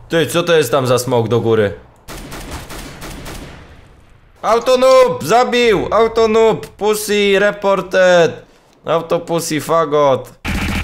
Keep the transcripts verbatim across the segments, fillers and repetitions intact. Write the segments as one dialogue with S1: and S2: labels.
S1: Ty, co to jest tam za smok do góry? Autonoob! Zabił! Autonoob! Pussy reported! Auto pussy fagot!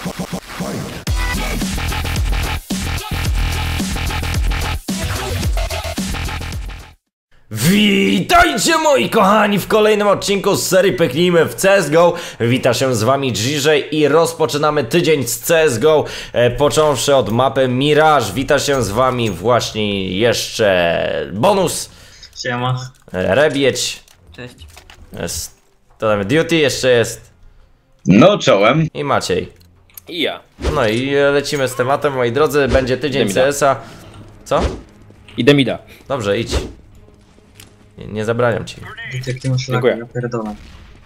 S1: Witajcie moi kochani w kolejnym odcinku z serii Pyknijmy w C S G O. Wita się z wami Dżiżej i rozpoczynamy tydzień z C S G O, e, począwszy od mapy Mirage. Wita się z wami właśnie jeszcze Bonus.
S2: Siema.
S1: Rebieć.
S3: Cześć.
S1: Jest, to tam Duty jeszcze jest.
S4: No czołem.
S1: I Maciej.
S5: I ja.
S1: No i lecimy z tematem, moi drodzy. Będzie tydzień C S a. Co?
S5: Idę mida.
S1: Dobrze, idź. Nie, nie zabraniam ci.
S2: Jak ty masz
S5: Dziękuję.
S2: lagi, ja pierdolę.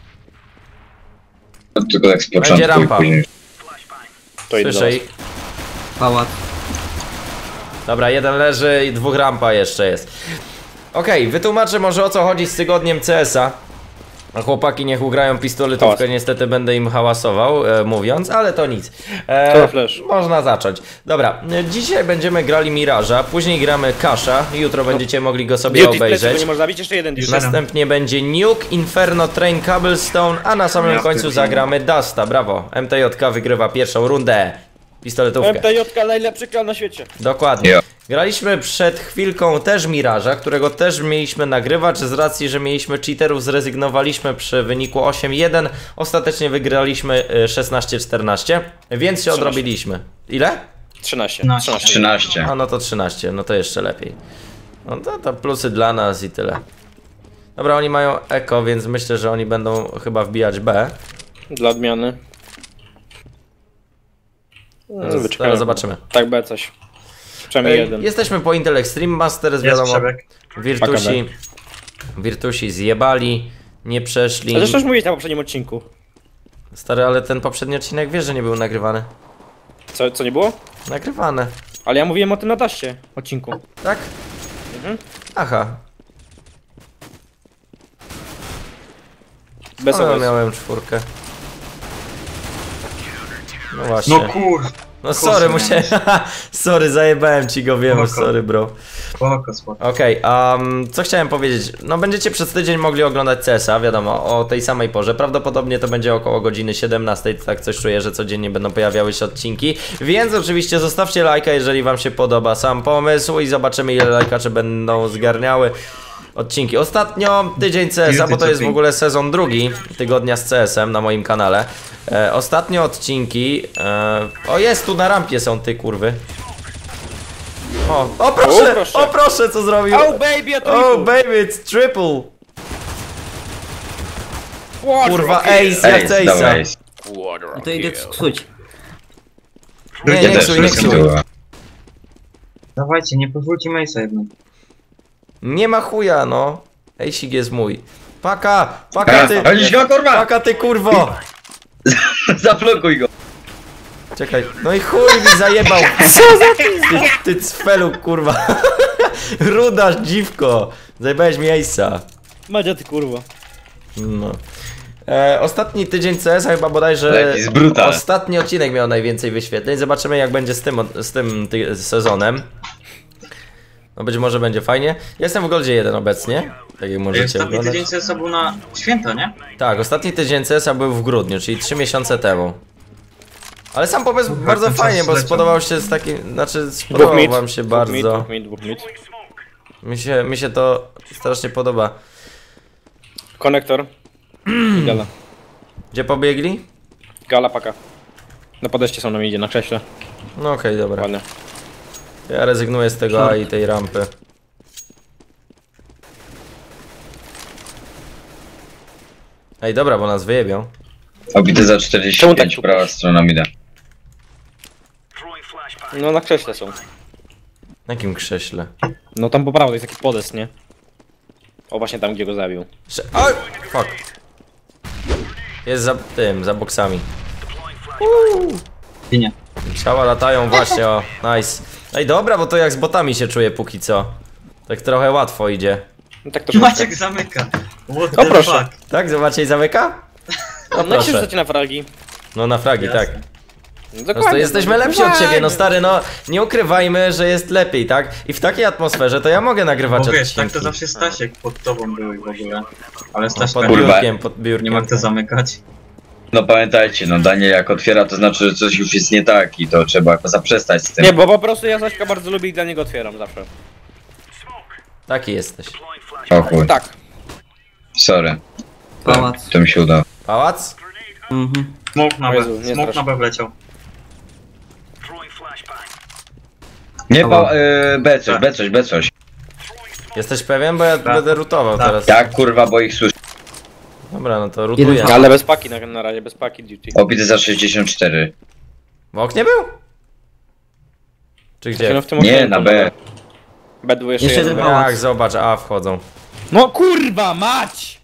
S4: Tylko tak z początku.
S1: Będzie rampa.
S4: i później.
S5: To idę do
S1: Słyszę
S5: was.
S1: ich.
S3: Pałac.
S1: Dobra, jeden leży i dwóch rampa jeszcze jest. Okej, okay, wytłumaczę może o co chodzi z tygodniem C S a. A chłopaki niech ugrają pistoletówkę,
S5: Hałas.
S1: niestety będę im hałasował, e, mówiąc, ale to nic. E,
S5: To flash.
S1: Można zacząć. Dobra, e, dzisiaj będziemy grali Miraża, później gramy Kasha, jutro będziecie mogli go sobie
S5: Duty w plecy, bo
S1: obejrzeć.
S5: nie można zabić, jeszcze jeden duty.
S1: Następnie będzie Nuke, Inferno, Train, Cobblestone, a na samym
S2: Ja
S1: końcu
S2: pierdolę.
S1: zagramy Dusta, brawo. M T J K wygrywa pierwszą rundę. Pistoletówkę.
S5: M T J K najlepszy klan na świecie.
S1: Dokładnie.
S4: Jo.
S1: Graliśmy przed chwilką też Miraża, którego też mieliśmy nagrywać. Z racji, że mieliśmy cheaterów, zrezygnowaliśmy przy wyniku osiem jeden. Ostatecznie wygraliśmy y, szesnaście czternaście, więc się odrobiliśmy. Ile?
S5: trzynaście.
S2: No,
S5: trzynaście.
S4: trzynaście.
S1: A no to trzynaście, no to jeszcze lepiej. No to, to plusy dla nas i tyle. Dobra, oni mają eko, więc myślę, że oni będą chyba wbijać B.
S5: Dla odmiany.
S1: Zaraz, zaraz zobaczymy.
S5: Tak, B coś. Przynajmniej
S1: Ej,
S5: jeden.
S1: Jesteśmy po Intel Extreme Masters,
S2: Jest
S1: wiadomo.
S2: przebieg.
S1: Virtusi, Virtusi zjebali, nie przeszli.
S5: Ale zresztą już mówiłeś na poprzednim odcinku.
S1: Stary, ale ten poprzedni odcinek wiesz, że nie był nagrywany.
S5: Co, co nie było?
S1: Nagrywane.
S5: Ale ja mówiłem o tym na daście odcinku.
S1: Tak?
S5: Mhm.
S1: Aha.
S5: Bez
S1: No,
S5: obrazu.
S1: miałem czwórkę. No właśnie.
S2: No kur...
S1: No sorry,
S2: kurczę,
S1: musiałem... sorry, zajebałem ci go, wiem,
S2: Spoko.
S1: sorry bro.
S2: Spoko, spoko.
S1: Okej, okay, um, co chciałem powiedzieć? No będziecie przez tydzień mogli oglądać C S a, wiadomo, o tej samej porze. Prawdopodobnie to będzie około godziny siedemnastej, tak coś czuję, że codziennie będą pojawiały się odcinki. Więc oczywiście zostawcie lajka, jeżeli wam się podoba sam pomysł i zobaczymy, ile lajkacze będą zgarniały odcinki. Ostatnio tydzień C S a, bo to jest w ogóle sezon drugi tygodnia z C S em na moim kanale. E, ostatnio odcinki... E, o, jest, tu na rampie są ty kurwy. O, o proszę,
S5: O, proszę.
S1: o proszę, co zrobił.
S5: Oh baby, a to
S1: Oh
S5: triple.
S1: baby, it's triple.
S5: Quadra
S1: Kurwa,
S5: kill.
S1: ace, jak
S4: Ej,
S1: ace'a.
S4: dawaj.
S5: Quadra
S3: No to idę
S5: kill.
S3: ksuć.
S1: Nie,
S4: Ja
S1: nie
S4: też
S1: ksuj, nie ksuj.
S4: rozkończyłem.
S2: Dawajcie, nie pozwólcie Mace'a jedną.
S1: Nie ma chuja, no. Ejsik jest mój. Paka, paka
S4: A,
S1: ty,
S4: Chodzisz go kurwa!
S1: paka ty kurwo.
S4: Zablokuj go!
S1: Czekaj, no i chuj mi zajebał. Co za ty, ty cfelu, kurwa. Rudasz, dziwko. Zajebałeś mi ace'a.
S5: Madzia ty kurwa.
S1: No. E, ostatni tydzień C S a chyba bodajże
S4: Jaki jest brutal.
S1: ostatni odcinek miał najwięcej wyświetleń. Zobaczymy jak będzie z tym, z tym ty, sezonem. No być może będzie fajnie. Jestem w Goldzie jeden obecnie, tak jak możecie
S2: Ostatni
S1: oglądać.
S2: tydzień C S a był na święto, nie?
S1: Tak, ostatni tydzień C S a był w grudniu, czyli trzy miesiące temu. Ale sam pomysł
S2: Kurwa,
S1: bardzo
S2: ten czas
S1: fajnie, bo
S2: zleciał.
S1: spodobał się z takim, znaczy
S5: Dwóch
S1: spodobał
S5: mid.
S1: wam się
S5: Dwóch mid,
S1: bardzo.
S5: dwóch mid, dwóch mid.
S1: Mi się, mi się to strasznie podoba.
S5: Konektor. I gala.
S1: Gdzie pobiegli?
S5: Gala paka. Na podejście są na midzie, na krześle.
S1: No okej, dobra.
S5: Ładnie.
S1: Ja rezygnuję z tego A i tej rampy. Ej, dobra, bo nas wyjebią.
S4: Obity za
S5: Czemu
S4: czterdzieści
S5: tak
S4: pięć,
S5: tu
S4: prawa
S5: masz?
S4: strona mida.
S5: No na krześle są.
S1: Na jakim krześle?
S5: No tam po prawo jest taki podest, nie? O właśnie tam gdzie go zabił.
S1: Prze Oj! Fuck. Jest za tym, za boksami.
S2: Ginie.
S1: Ciała latają właśnie, o, nice. Ej, dobra, bo to jak z botami się czuję póki co. Tak trochę łatwo idzie.
S5: No tak troszeczkę.
S2: Maciek zamyka. What
S5: O,
S2: the
S5: proszę.
S2: fuck?
S1: Tak, zobaczcie i zamyka?
S5: No, no jak się
S1: proszę.
S5: rzucacie na fragi?
S1: No na fragi,
S2: Jasne.
S1: tak.
S5: No
S1: Po prostu jesteśmy lepsi od ciebie, no stary, no nie ukrywajmy, że jest lepiej, tak? I w takiej atmosferze to ja mogę nagrywać
S2: Bo wiesz,
S1: odcinki.
S2: tak to zawsze Stasiek pod tobą był w ogóle. Ale
S1: No,
S2: Stasiek
S1: pod
S4: Kurwa.
S1: biurkiem, pod biurkiem.
S2: nie ma kto zamykać.
S4: No pamiętajcie, no Daniel jak otwiera, to znaczy, że coś już jest nie tak i to trzeba zaprzestać z tym.
S5: Nie, bo po prostu ja Zaśka bardzo lubię i dla niego otwieram zawsze.
S1: Taki jesteś.
S4: O chuj,
S5: Tak.
S4: sorry.
S3: Pałac.
S4: To mi się udało.
S1: Pałac?
S3: Mhm.
S2: Smok na
S5: O
S2: B,
S5: Jezu, nie
S2: smok
S5: strasz.
S2: na B wleciał.
S4: Nie,
S3: Dobra.
S4: pa, y, B coś, B coś, B coś.
S1: Jesteś pewien? Bo ja
S2: Tak.
S1: będę rutował
S2: Tak.
S1: teraz.
S4: Jak kurwa, bo ich słyszę.
S1: Dobra, no to rutuję.
S3: Jeden-
S5: Ale bez paki na, na razie, bez paki duty.
S4: Obity za sześćdziesiąt cztery.
S1: W oknie był? Czy
S5: No
S1: gdzie?
S5: w tym
S4: Nie,
S5: okienku,
S4: na B.
S5: B dwa jeszcze,
S3: Jeszcze
S5: jeden.
S3: jeden pałac.
S1: Jak, zobacz, a wchodzą.
S5: No kurwa, mać!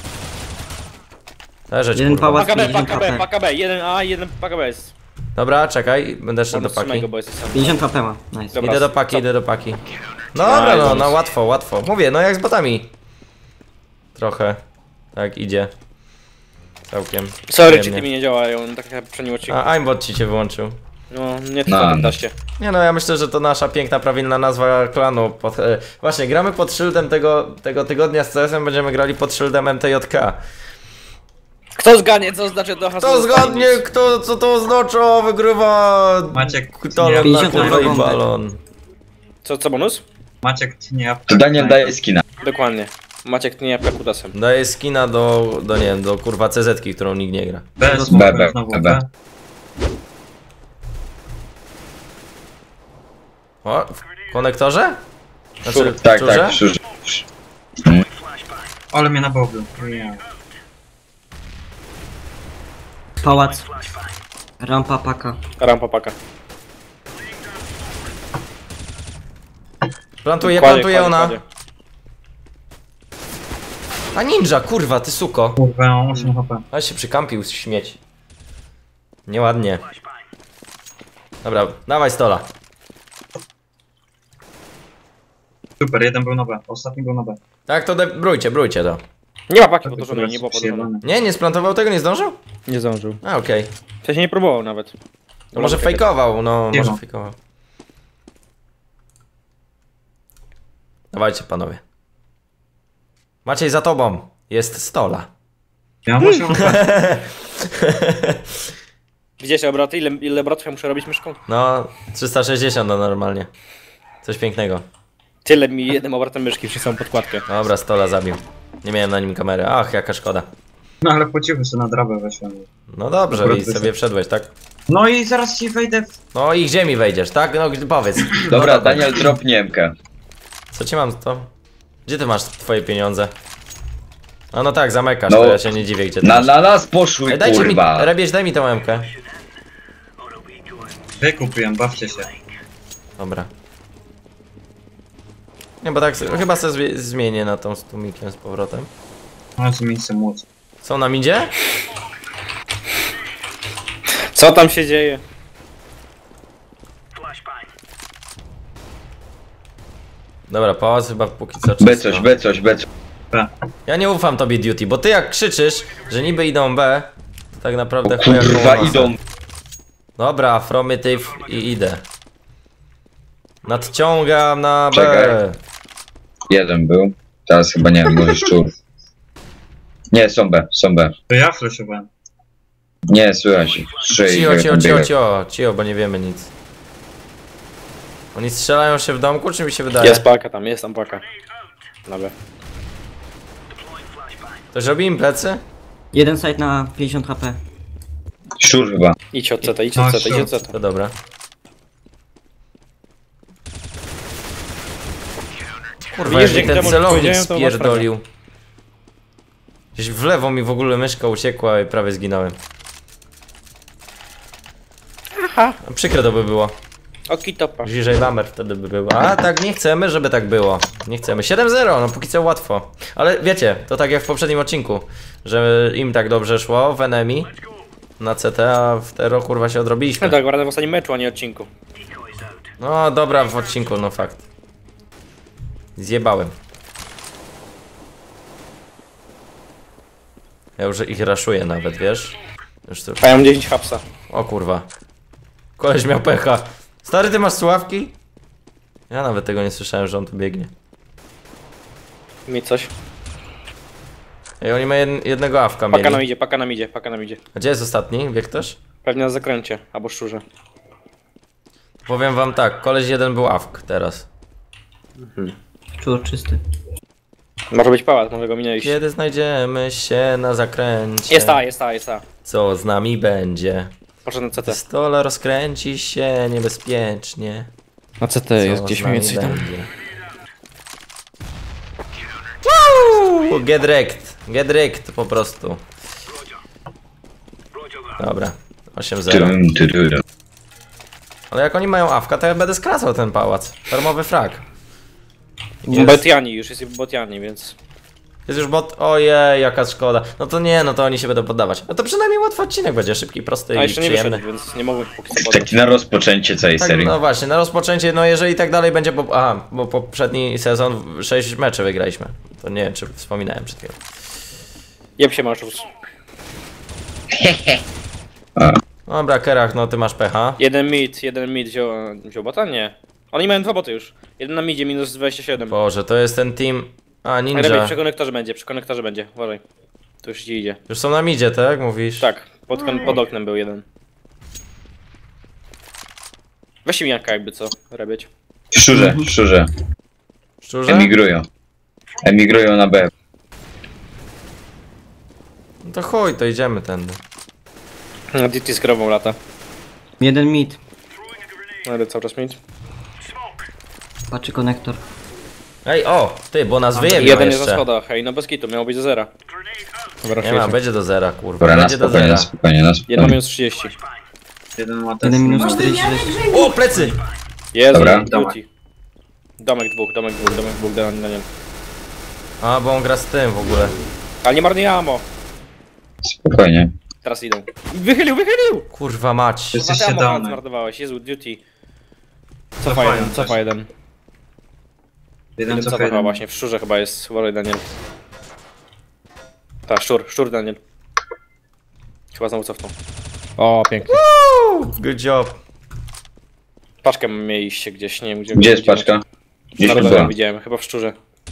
S1: Leżeć,
S3: Jeden
S1: kurwa.
S3: pałac.
S5: Paka B,
S3: pięćdziesiąt
S5: paka B,
S3: H P.
S5: paka B, jeden A, jeden paka B jest.
S1: Dobra, czekaj, będę szedł do
S5: Bonus
S1: paki.
S5: samego, bo jest sam.
S3: pięćdziesiąt H P ma. Nice.
S5: Dobra.
S1: Idę do paki,
S5: Co?
S1: idę do paki. Dobra, no,
S5: bonus.
S1: no łatwo, łatwo. Mówię, no jak z botami. Trochę. Tak, idzie. Całkiem.
S5: Sorry, czy
S1: przyjemnie.
S5: ty mi nie działają, tak jak poprzednim odcinku.
S1: A, aimbot ci się wyłączył.
S5: No, nie
S4: No.
S5: trwa w daście.
S1: Nie no, ja myślę, że to nasza piękna, prawilna nazwa klanu. Pod, e, właśnie, gramy pod szyldem tego, tego tygodnia z C S-em, będziemy grali pod szyldem M T J K.
S5: Kto zgadnie, co znaczy to hasło?
S1: Kto zgadnie, kto, co to oznacza, wygrywa...
S2: Maciek
S1: Talon na
S3: pięćdziesiąt
S1: kurwa i
S3: bombek.
S1: balon.
S5: Co, co bonus?
S2: Maciek tnie apkę.
S4: To Daniel daje skina.
S5: Dokładnie. Maciek nie jabłka kutasem.
S1: Daję skina do, do nie wiem, do kurwa C Z-ki, którą nikt nie gra.
S2: B,
S4: B,
S2: smoka
S4: B,
S2: znowu
S4: B.
S2: B.
S1: O, w konektorze? Znaczy, w
S4: Tak,
S1: czurze?
S4: tak, szurze.
S2: Ale mnie nabobił. Nie.
S3: Pałac. Rampa paka.
S5: Rampa paka.
S1: Plantuje,
S5: Kładzie,
S1: plantuje
S5: kładzie,
S1: ona.
S5: kładzie.
S1: A ninja, kurwa, ty suko.
S2: Kurwa, mam osiem H P.
S1: Ale się przykampił z śmieci. Nieładnie. Dobra, dawaj stola.
S2: Super, jeden był na B. Ostatni był na B.
S1: Tak, to de- brójcie, brójcie to.
S5: Nie ma paki podłożonej, nie było podłożonej.
S2: Przyjebane.
S1: Nie, nie splantował tego, nie zdążył?
S5: Nie zdążył.
S1: A, okej.
S5: W sensie nie próbował nawet.
S1: To może
S5: Dobra,
S1: fejkował, no,
S2: Nie
S1: może
S2: ma.
S1: fejkował. Dawajcie, panowie. Maciej, za tobą. Jest stola.
S2: Ja mam osiem H P.
S5: Widzicie obroty? Ile, ile obrotów ja muszę robić myszką?
S1: No, trzysta sześćdziesiąt no normalnie. Coś pięknego.
S5: Tyle mi jednym obrotem myszki przez całą podkładkę.
S1: Dobra, stola zabił. Nie miałem na nim kamery. Ach, jaka szkoda.
S2: No ale po cichu sobie na drabę weszłem.
S1: No dobrze,
S2: Dobra,
S1: i
S2: wyszedł.
S1: sobie wszedłeś, tak?
S2: No i zaraz ci wejdę w...
S1: No i gdzie mi wejdziesz, tak? No gdy- powiedz.
S4: Dobra,
S1: no,
S4: Daniel, drop Niemkę.
S1: Co ci mam to? Gdzie ty masz twoje pieniądze? A no tak, zamykasz,
S4: No,
S1: to ja się nie dziwię, gdzie ty
S4: Na,
S1: masz.
S4: na nas poszły,
S1: Ej, dajcie
S4: kurwa.
S1: mi, Rebieś, daj mi tą emkę.
S2: Wykupiłem, bawcie się.
S1: Dobra. Nie, bo tak, chyba sobie zwie- zmienię na tą z tłumikiem z powrotem.
S2: Mam z miejscem móc.
S1: Są nam idzie?
S5: Co tam się dzieje?
S1: Dobra, pałac chyba póki co
S4: B
S1: czysto.
S4: coś, B coś, B coś.
S2: B.
S1: Ja nie ufam tobie, Duty, bo ty jak krzyczysz, że niby idą B, to tak naprawdę chuja
S4: Kurwa,
S1: koło nosa.
S4: idą.
S1: Dobra, afromityw i idę. Nadciągam na B.
S4: Czekaj. Jeden był. Teraz chyba nie wiem, może szczur. Nie, są B, są B.
S2: To ja flashowałem.
S4: Nie, słychać ich. Trzy i
S1: Cio, cio, cio,
S4: biega.
S1: cio, cio, bo nie wiemy nic. Oni strzelają się w domku, czy mi się wydaje?
S5: Jest paka tam, jest tam paka. Dobra.
S1: Ktoś robi im plecy?
S3: Jeden side na pięćdziesiąt H P.
S4: Szczur chyba.
S5: Idź od C T, idź
S2: No,
S5: od C T, idź
S2: sure.
S5: od C T.
S1: To dobra. Kurwa,
S5: Widzisz,
S1: jak mi
S5: dzięki
S1: ten
S5: temu, że
S1: celownik
S5: powiedziałem, to masz
S1: spierdolił. Gdzieś w lewo mi w ogóle myszka uciekła i prawie zginąłem.
S5: Aha.
S1: Przykre to by było.
S5: Oki topa.
S1: Bliżej lamer wtedy by było. A tak nie chcemy, żeby tak było. Nie chcemy. siedem zero, no póki co łatwo. Ale wiecie, to tak jak w poprzednim odcinku, że im tak dobrze szło w Enemy na C T, a w Tero kurwa się
S5: No
S1: odrobiliśmy.
S5: tak, naprawdę w ostatnim meczu, a nie odcinku.
S1: No dobra, w odcinku, no fakt. Zjebałem. Ja już ich raszuję nawet, wiesz? Już tu...
S5: A ja mam dziesięć hapsa.
S1: O kurwa. Koleś miał pecha. Stary, ty masz słuchawki? Ja nawet tego nie słyszałem, że on tu biegnie.
S5: Mi coś.
S1: Ej, oni mają jed jednego awka
S5: Paka nam
S1: mieli.
S5: idzie, paka nam idzie, paka nam idzie.
S1: A gdzie jest ostatni? Wie ktoś?
S5: Pewnie na zakręcie, albo szczurze.
S1: Powiem wam tak, koleś jeden był awk teraz.
S3: Czur czysty.
S5: Może być pałac, może go minęliście.
S1: Kiedy znajdziemy się na zakręcie?
S5: Jest ta, jest ta, jest ta.
S1: Co z nami będzie?
S5: Poszedł na C T.
S1: Pistola rozkręci się niebezpiecznie.
S5: Na C T
S1: Co
S5: jest
S1: z
S5: gdzieś
S1: nami
S5: mniej więcej tam.
S1: będzie? Woo! Get wrecked. Get wrecked po prostu. Dobra. osiem zero.
S4: Dum, du, du, du.
S1: Ale jak oni mają awka, to ja będę skracał ten pałac. Darmowy frag. Jest.
S5: Botiani, już jest Botiani, więc...
S1: Jest już bot. Ojej, jaka szkoda. No to nie, no to oni się będą poddawać. No to przynajmniej łatwy odcinek będzie, szybki, prosty
S5: A
S1: i
S5: jeszcze nie
S1: przyjemny.
S5: wyszedł, więc nie mogłem póki co podać.
S4: Taki na rozpoczęcie całej
S1: Tak,
S4: serii.
S1: no właśnie, na rozpoczęcie, no jeżeli tak dalej będzie, bo, aha, bo poprzedni sezon sześć meczy wygraliśmy. To nie wiem, czy wspominałem przed chwilą.
S5: Jeb się masz już.
S1: Dobra, Kerach, no ty masz pecha.
S5: Jeden mid, jeden mid wziął, wziął bota? Nie. Oni mają dwa boty już. Jeden na midzie, minus dwadzieścia siedem.
S1: Boże, to jest ten team... A,
S5: Rebić,
S1: ninja.
S5: przy konektorze będzie, przy konektorze będzie, uważaj. To już ci idzie.
S1: Już są na midzie, tak? Mówisz?
S5: Tak, pod, kon- pod oknem był jeden. Weź mi jaka jakby co, Rebieć.
S4: Szczurze, szczurze.
S1: Szczurze?
S4: Emigrują. Emigrują na B.
S1: No to chuj, to idziemy tędy.
S5: Na D T z krową lata.
S3: Jeden mid.
S5: Ale cały czas mid.
S3: Patrzy konektor.
S1: Ej, o! Ty, bo nas wyjebią
S5: Jeden jest na
S1: jeszcze.
S5: schodach, hej, no bez kitu, miało być do zera. Dobra,
S1: Nie ma, będzie do zera, kurwa.
S4: Dobra, na
S1: Będzie do
S4: spokojnie,
S1: zera.
S4: na spokojnie, na
S5: Jedna
S4: spokojnie.
S5: minus trzydzieści.
S2: Jeden ma
S3: Jeden minus
S2: testy.
S3: czterdzieści.
S1: O, plecy!
S5: Jezu,
S4: Dobra.
S5: duty. Domek dwóch, domek dwóch, domek dwóch, na na nie.
S1: A, bo on gra z tym w ogóle.
S5: Ale nie marnuj ammo.
S4: Spokojnie.
S5: Teraz idą. Wychylił, wychylił!
S1: Kurwa mać.
S2: Jest
S5: Kurwa, ty
S2: jeszcze
S5: ammo
S2: domek.
S5: zmarnowałeś, Jezu, duty. Cofa
S2: Cofają
S5: jeden,
S2: coś.
S5: cofa jeden.
S2: Jeden
S5: Jeden
S2: co
S5: cofa chyba
S2: jeden.
S5: właśnie, w szczurze chyba jest, uważaj Daniel. Tak, szczur, szczur Daniel. Chyba znowu cofnął. O, pięknie.
S1: Good job.
S5: Paczkę mieliście gdzieś, nie wiem gdzie.
S4: Gdzie jest paczka? Gdzieś
S5: Na
S4: tu
S5: dole
S4: była.
S5: widziałem, chyba w szczurze.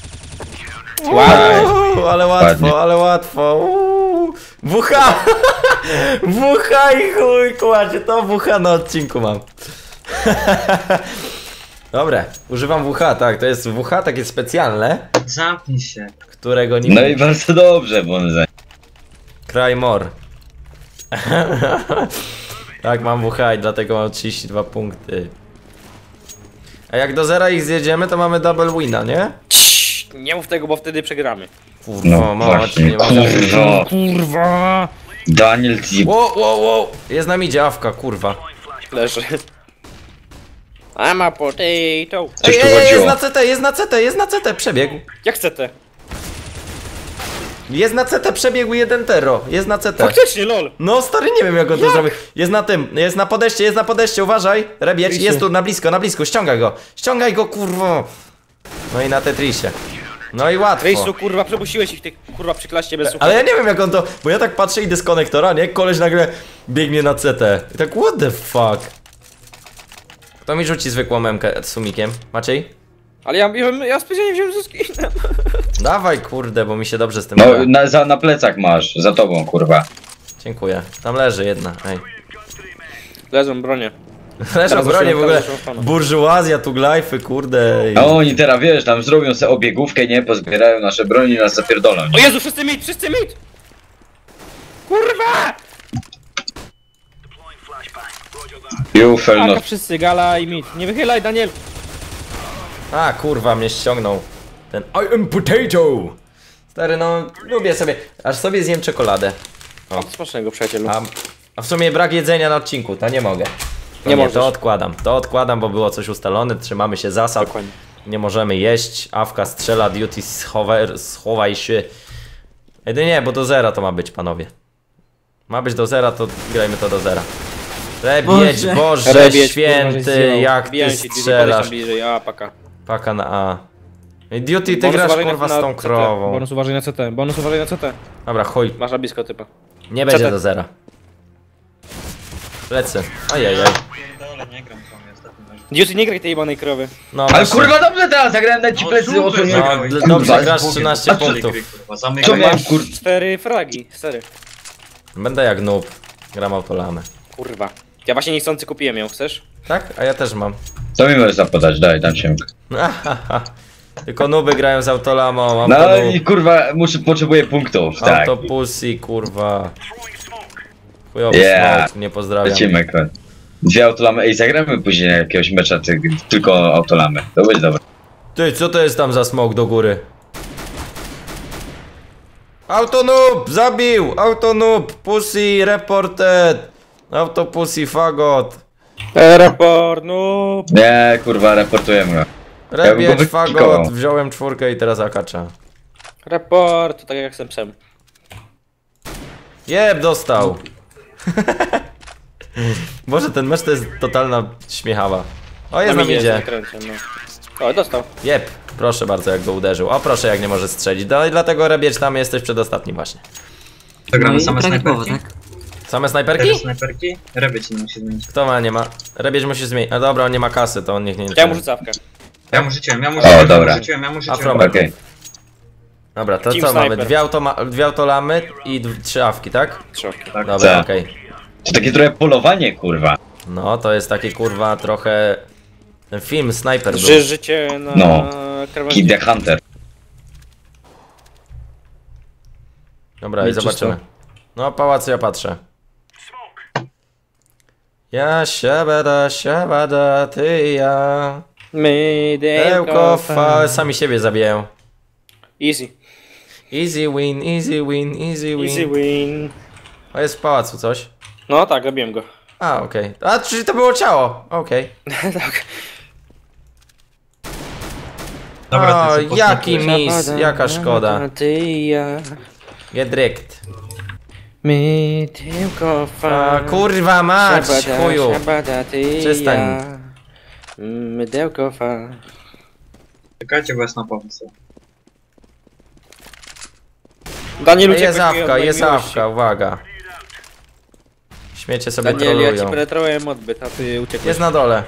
S1: Uuu, ale łatwo,
S4: Ładnie.
S1: ale łatwo. Uuu. W H! W H i chuj, kładzie, to W H na odcinku mam. Dobra, używam W H, tak, to jest W H takie specjalne,
S2: Zamknij się.
S1: którego nie...
S4: No i bardzo dobrze, bo on za...
S1: Cry more. Tak, mam W H i dlatego mam trzydzieści dwa punkty. A jak do zera ich zjedziemy, to mamy double wina, nie?
S5: Ciii, nie mów tego, bo wtedy przegramy.
S1: Kurwa,
S4: No
S1: mać,
S4: właśnie,
S1: nie ma...
S4: kurwa.
S5: Kurwa!
S4: Daniel, ty...
S1: Wow, wow, wow. Jest na midzie awka, kurwa.
S5: Leży. I'm a potato.
S4: Coś
S1: Ej,
S4: tu
S1: ej, jest
S4: chodziło.
S1: na C T, jest na C T, jest na C T, przebiegł.
S5: Jak chcete?
S1: Jest na C T, przebiegł jeden tero, jest na C T.
S5: Faktycznie, lol.
S1: No stary, nie wiem jak on to zrobił. Jest na tym, jest na podejście, jest na podejście, uważaj. Rebieć,
S5: Trisu.
S1: jest tu na blisko, na blisko, ściągaj go. Ściągaj go, kurwo. No i na Tetrisie. No i łatwo.
S5: Rejsu, kurwa, przepuściłeś ich tych, kurwa, przy klaście bez słuchawek.
S1: Ale ja nie wiem jak on to, bo ja tak patrzę, idę z konektora, nie? Koleś nagle biegnie na C T. I tak, what the fuck? Kto mi rzuci zwykłą memkę z sumikiem? Maciej?
S5: Ale ja, ja, ja specjalnie wziąłem ze skinem.
S1: Dawaj, kurde, bo mi się dobrze z tym
S4: No,
S1: gra.
S4: na, za, na plecach masz, za tobą, kurwa.
S1: Dziękuję. Tam leży jedna, ej.
S5: Lezą bronie.
S1: Leżą
S5: Teraz
S1: bronie w
S5: zacząłem-
S1: ogóle.
S5: teraz zacząłem pana.
S1: Burżuazja, tu glajfy, kurde. i-
S4: A oni teraz, wiesz, tam zrobią sobie obiegówkę, nie? Pozbierają nasze broni i nas zapierdolą.
S5: O Jezu, wszyscy mit, wszyscy mit! Kurwa!
S4: You fell
S5: Aka,
S4: not.
S5: wszyscy, gala i mit. Nie wychylaj, Daniel.
S1: A, kurwa, mnie ściągnął. Ten I am potato. Stary, no, lubię sobie. Aż sobie zjem czekoladę.
S5: O, smacznego, przyjacielu.
S1: A, a w sumie brak jedzenia na odcinku, to nie mogę. To
S5: Nie
S1: nie,
S5: możesz.
S1: to odkładam. To odkładam, bo było coś ustalone, trzymamy się zasad.
S5: Dokładnie.
S1: Nie możemy jeść, awka strzela, duty schowaj, schowaj się. Jedynie, bo do zera to ma być, panowie. Ma być do zera, to grajmy to do zera. Rebieć,
S3: Boże.
S1: Boże,
S5: Rebieć, kurwa, żeś
S1: święty,
S5: zjebał.
S1: jak ty
S5: Bijam ci, Didi,
S1: strzelasz.
S5: podejdź tam bliżej, a, paka.
S1: Paka na A. I Duty, ty
S5: Bonus
S1: grasz
S5: uważaj na-
S1: kurwa
S5: na
S1: z tą
S5: C T.
S1: krową.
S5: Bonus uważaj na C T, bonus uważaj na C T.
S1: Dobra, chuj,
S5: Masz na blisko typa.
S1: nie będzie
S5: C T.
S1: do zera. Lecę. Ojej,
S2: nie gram z wami ostatnio.
S5: Duty, nie graj tej jebanej krowy.
S1: No
S4: Ale
S1: właśnie.
S4: kurwa dobrze teraz, zagrałem na ci
S2: No
S4: plecy
S2: super,
S4: osłonię.
S1: No,
S2: Kurwa,
S1: d- dobrze,
S4: kurwa,
S1: grasz
S2: Bogiem,
S1: trzynaście
S2: patrzcie
S1: punktów.
S2: gry, kurwa,
S4: Co
S2: zamykaj.
S4: miałem,
S5: Masz
S4: kur...
S5: cztery fragi, stary.
S1: Będę jak noob. Gram autolamę.
S5: Kurwa. Ja właśnie niechcący kupiłem ją, chcesz?
S1: Tak? A ja też mam.
S4: Co mi możesz zapodać? Daj, dam się.
S1: Tylko nuby grają z autolamą, mam
S4: No
S1: to
S4: i
S1: noob.
S4: kurwa, muszę, potrzebuję punktów, tak.
S1: Autopussy, kurwa. Chujowy
S4: Yeah.
S1: smoke, nie pozdrawiam.
S4: Lecimy, kurwa. Dwie autolamy, ej, zagramy później jakiegoś mecza, ty, tylko autolamy. To będzie dobre.
S1: Ty, co to jest tam za smoke do góry? Autonoob! Zabił! Autonoob! Pussy reported! Autopussy fagot!
S5: E, raport, no.
S4: Nie, kurwa, reportujemy go.
S1: Rebieć
S4: Ja bym go
S1: fagot!
S4: wykikował.
S1: Wziąłem czwórkę i teraz akacza.
S5: Raport, to tak jak jestem psem.
S1: Jeb, dostał! Boże, ten mecz to jest totalna śmiechawa. O, jest nam
S5: midzie,
S1: idzie.
S5: zakręcie, no. O, dostał.
S1: Jeb, proszę bardzo, jak go uderzył. O, proszę, jak nie może strzelić. No i dlatego Rebieć tam jesteś przedostatni właśnie.
S2: To
S3: No
S2: gramy
S3: i
S2: same
S3: prawidłowo,
S2: snajperki.
S3: tak?
S1: Same
S2: Cztery
S1: snajperki?
S2: snajperki? Rebieć nie musi zmienić.
S1: Kto ma, nie ma? Rebieć musi zmienić. A dobra, on nie ma kasy, to on niech nie
S5: Ja mu rzucawkę.
S2: Ja mu rzuciłem, ja mu
S4: O,
S2: rzuciłem, ja
S4: dobra.
S2: mu rzuciłem, ja mu rzuciłem.
S1: Afromek.
S4: Okej.
S1: Dobra, to
S5: Team
S1: co mamy?
S5: Sniper.
S1: Dwie, automa dwie autolamy i d- trzy awki, tak?
S5: Trzopki.
S2: Tak.
S1: Dobra,
S4: Tak.
S1: okej.
S4: To takie trochę polowanie, kurwa.
S1: No, to jest taki kurwa trochę... Ten film Sniper był.
S5: Ży życie na
S4: No.
S5: krawędzi.
S4: Kid the Hunter.
S1: Dobra, i
S3: Nie
S1: zobaczymy. No, pałac ja patrzę. Ja siabada, siabada, ty i ja. Ełko, fa... Sami siebie zabijają.
S5: Easy.
S1: Easy win, easy win, easy win.
S5: Easy win.
S1: O, jest w pałacu coś.
S5: No tak, zabiłem go.
S1: A, okej. A, czyli to było ciało. Okej.
S5: tak.
S2: Dobra,
S1: O,
S2: ty co,
S1: jaki
S2: posmakujesz?
S1: mis, jaka szkoda.
S5: Ty i ja.
S1: Gedrykt.
S5: My tylko
S1: A,
S5: fa.
S1: kurwa mać,
S5: Szabada,
S1: chuju.
S5: szabada, ty i
S1: Przestań.
S5: ja. Mydełko fa.
S2: Czekajcie, bo jest na pomysł.
S5: Daniel, uciekłeś
S1: Jest
S5: mi od
S1: awka,
S5: mojej
S1: jest
S5: miłości.
S1: awka, uwaga. Śmiecie sobie
S5: Daniel, ja ci
S1: trolują.
S5: penetrowałem odbyt, a ty uciekłeś.
S1: Jest na dole.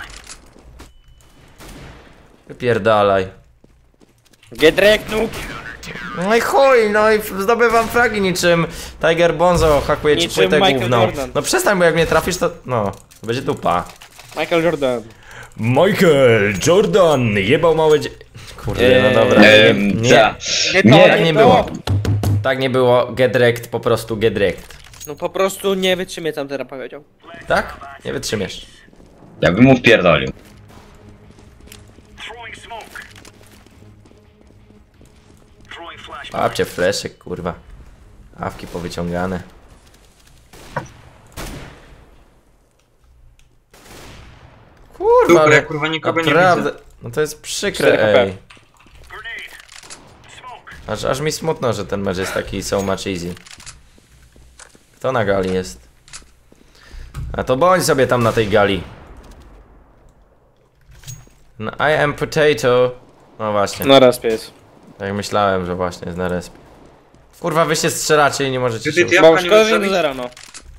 S1: Wypierdalaj.
S5: Gedrek, noob.
S1: No i chuj, no i f- zdobywam fragi niczym Tiger Bonzo, hakuje ci
S5: Niczym
S1: płytę
S5: Michael
S1: główną.
S5: Jordan.
S1: No przestań, bo jak mnie trafisz to... No, to będzie dupa.
S5: Michael Jordan.
S1: Michael Jordan jebał małe dzie... Kurde, no dobra.
S4: Ehm,
S1: nie,
S4: za-
S5: Nie,
S4: Nie,
S1: tak nie było. Tak nie było, get wrecked, po prostu get wrecked.
S5: No po prostu nie wytrzymie, tam teraz powiedział.
S1: Tak? Nie wytrzymiesz.
S4: Ja bym mu wpierdolił.
S1: Babcie fleszek, kurwa. Awki powyciągane. Kurwa,
S2: Super,
S1: ale
S2: ja kurwa nikogo nie
S1: naprawdę...
S2: widzę.
S1: No to jest przykre,
S5: cztery H P.
S1: ej. Aż, aż mi smutno, że ten mecz jest taki so much easy. Kto na gali jest? A to bądź sobie tam na tej gali. No, I am potato. No właśnie,
S5: No raz pies.
S1: tak myślałem, że właśnie jest na respie. Kurwa, wy się strzelacie i nie możecie
S2: Ty,
S1: się...
S2: ty, ty,
S5: Mało
S2: ja
S5: szkoda, że nie
S2: nie
S5: do zera, no.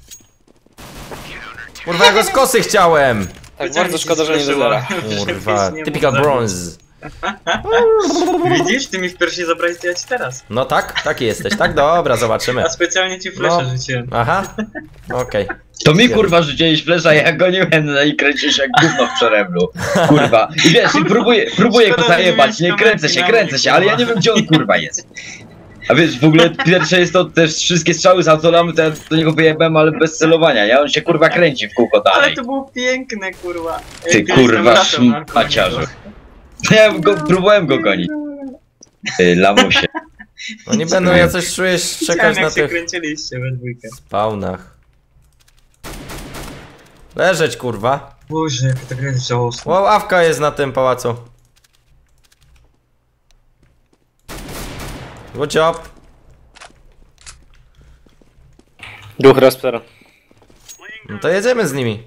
S1: Kurwa, ja go z kosy chciałem!
S5: Tak bardzo szkoda, że nie do zera.
S1: Kurwa, typical bronze.
S2: Widzisz? Ty mi w piersi zabrałeś, to ja ci teraz.
S1: No tak, taki jesteś, tak? Dobra, zobaczymy.
S2: A specjalnie ci fleszę
S1: No.
S2: rzuciłem.
S1: Aha, okej.
S4: To mi kurwa rzuciłeś flesza, ja goniłem no i kręcisz jak gówno w przeremlu. Kurwa. I wiesz, i próbuję, próbuję go
S2: Szkoda, że nie
S4: zajebać, nie
S2: miałeś
S4: kręcę się,
S2: kamerki
S4: kręcę
S2: na
S4: się,
S2: mnie,
S4: ale ja
S2: kurwa.
S4: nie wiem gdzie on kurwa jest. A wiesz, w ogóle pierwsze jest to też wszystkie strzały z autolamy, to ja do niego wyjebałem, ale bez celowania, ja on się kurwa kręci w kółko
S2: Ale
S4: dalej.
S2: to było piękne, kurwa.
S4: Ty
S2: Jak kiedyś tam
S4: kurwa
S2: latem na
S4: szmaciarzu.
S2: koloniach.
S4: Ja go, próbowałem go gonić. Ty lamusie.
S1: No nie będą ja coś czuję
S2: Widziałem,
S1: czekać na
S2: jak się
S1: tych
S2: kręciliście we dwójkę.
S1: spawnach. Leżeć, kurwa.
S2: Boże, jaka ta gra jest żałosna.
S1: Wow, awka jest na tym pałacu. Good job.
S5: Duch Raspera.
S1: No to jedziemy z nimi.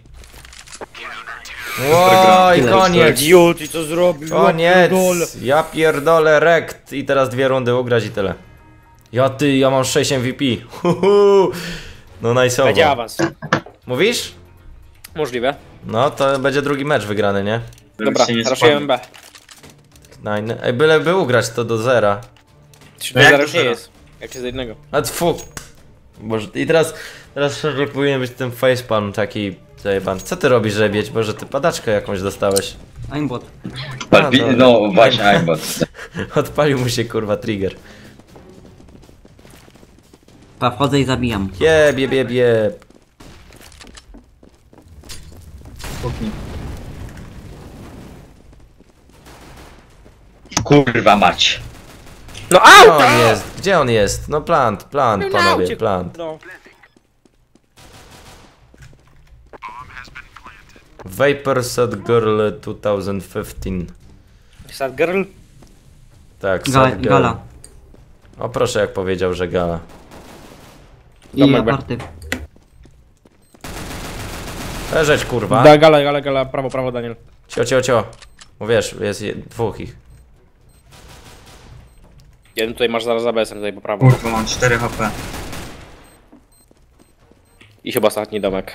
S1: Ło, i koniec.
S5: Idiot, i co zrobił?
S1: Koniec. Ja pierdolę rekt. I teraz dwie rundy ugrać i tyle. Ja ty, ja mam sześć M V P. Huhu. No
S5: Będzie
S1: najsowo.
S5: awans.
S1: Mówisz?
S5: Możliwe.
S1: No, to będzie drugi mecz wygrany, nie?
S2: Żeby
S5: Dobra,
S2: się nie
S5: raszujemy
S2: spadł.
S5: B.
S1: Nine. Ej, byleby ugrać to do zera.
S5: trzy
S2: No
S5: do
S2: jak
S5: zera
S2: do
S5: już nie
S2: zera?
S5: jest. Jak jest do jednego.
S1: A tfu. Boże, i teraz, teraz szczerze powinien być ten facepalm taki zajebany. Co ty robisz, żebieć? Boże, ty padaczkę jakąś dostałeś.
S3: Aimbot.
S4: Palpi...
S1: dobra.
S4: No właśnie, aimbot.
S1: Odpalił mu się kurwa trigger.
S3: Pa, wchodzę i zabijam.
S1: Jeb, jeb, jeb, jeb.
S2: Kuchni.
S4: Kurwa mać.
S5: No
S1: Gdzie
S5: auta!
S1: on jest? Gdzie on jest? No plant, plant,
S5: No na
S1: panowie,
S5: aucie,
S1: plant.
S5: No.
S1: Vapor Sad Girl dwa tysiące piętnaście.
S5: Sad girl?
S1: Tak,
S3: Ga
S1: Sad Girl.
S3: gala.
S1: O proszę, jak powiedział, że gala.
S3: I
S5: Domek B.
S3: aparty.
S1: Leżeć kurwa.
S5: Da, gala, gala, gala, prawo, prawo, Daniel.
S1: Cio, cio, cio. Bo wiesz, jest je- dwóch ich.
S5: Jeden tutaj masz zaraz za B S-em, tutaj po prawo.
S2: Kurwa, mam cztery H P.
S5: I chyba ostatni domek.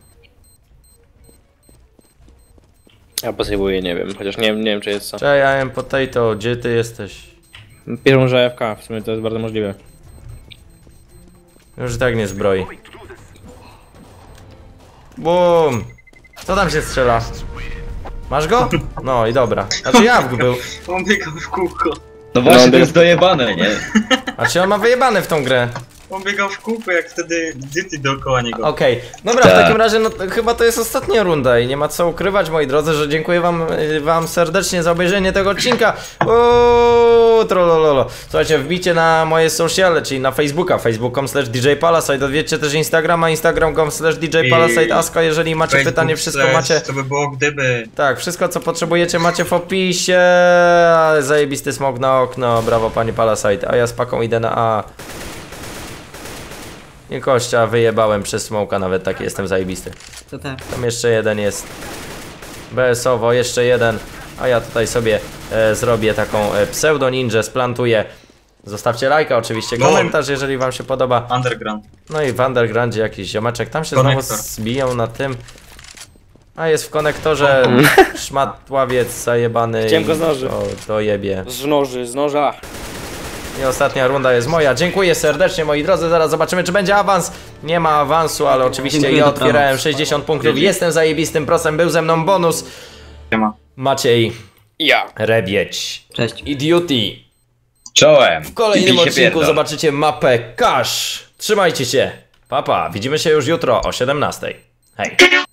S5: Ja posejwuję, nie wiem, chociaż nie, nie wiem czy jest co.
S1: Cześć, I am potato, gdzie ty jesteś?
S5: Piszą, że F K, w sumie to jest bardzo możliwe.
S1: Już i tak nie zbroi. Bum! Co tam się strzela? Masz go? No i dobra. Znaczy Jawk był.
S2: On biegał w kółko.
S4: No właśnie,
S5: No,
S4: to jest dojebane, nie?
S1: Znaczy on ma wyjebane w tą grę.
S2: On biegał w kółko, jak wtedy dyty dookoła niego.
S1: Okej, dobra, w
S4: Tak.
S1: takim razie no, to chyba to jest ostatnia runda i nie ma co ukrywać, moi drodzy, że dziękuję wam, y, wam serdecznie za obejrzenie tego odcinka. Uuu, trollololo. Słuchajcie, wbijcie na moje sociale, czyli na Facebooka, facebook kropka com slash D J Palasite, odwiedźcie też Instagrama, instagram kropka com slash D J Palasite, Aska, jeżeli macie
S2: Facebook
S1: pytanie, wszystko
S2: slash,
S1: macie...
S2: Co by było gdyby...
S1: Tak, wszystko co potrzebujecie macie w opisie. Zajebisty smok na okno, brawo panie Palasite, a ja z paką idę na A. Nie kościa, wyjebałem przez smoka, nawet taki jestem zajebisty.
S3: To tak.
S1: Tam jeszcze jeden jest. B S-owo, jeszcze jeden. A ja tutaj sobie e, zrobię taką e, pseudo ninja, splantuję. Zostawcie lajka oczywiście,
S2: Lol.
S1: komentarz jeżeli wam się podoba.
S2: Underground.
S1: No i w undergroundzie jakiś ziomeczek, tam się
S2: Konektor.
S1: znowu zbiją na tym. A jest w konektorze szmatławiec zajebany.
S5: Chciałem
S1: i
S5: go z noży.
S1: To, to jebie.
S5: Z noży, z noża.
S1: I ostatnia runda jest moja. Dziękuję serdecznie moi drodzy, zaraz zobaczymy czy będzie awans. Nie ma awansu, ale oczywiście
S3: Dziękuję,
S1: ja
S3: dobranoc.
S1: otwierałem sześćdziesiąt punktów. Jestem zajebistym prosem, był ze mną bonus.
S2: Siema.
S1: Maciej
S5: Ja.
S1: Rebieć.
S3: Cześć.
S1: Idioty.
S4: Czołem.
S1: W kolejnym
S4: I bij się
S1: odcinku
S4: pierdol.
S1: zobaczycie mapę Cash. Trzymajcie się. Papa, widzimy się już jutro o siedemnastej. Hej.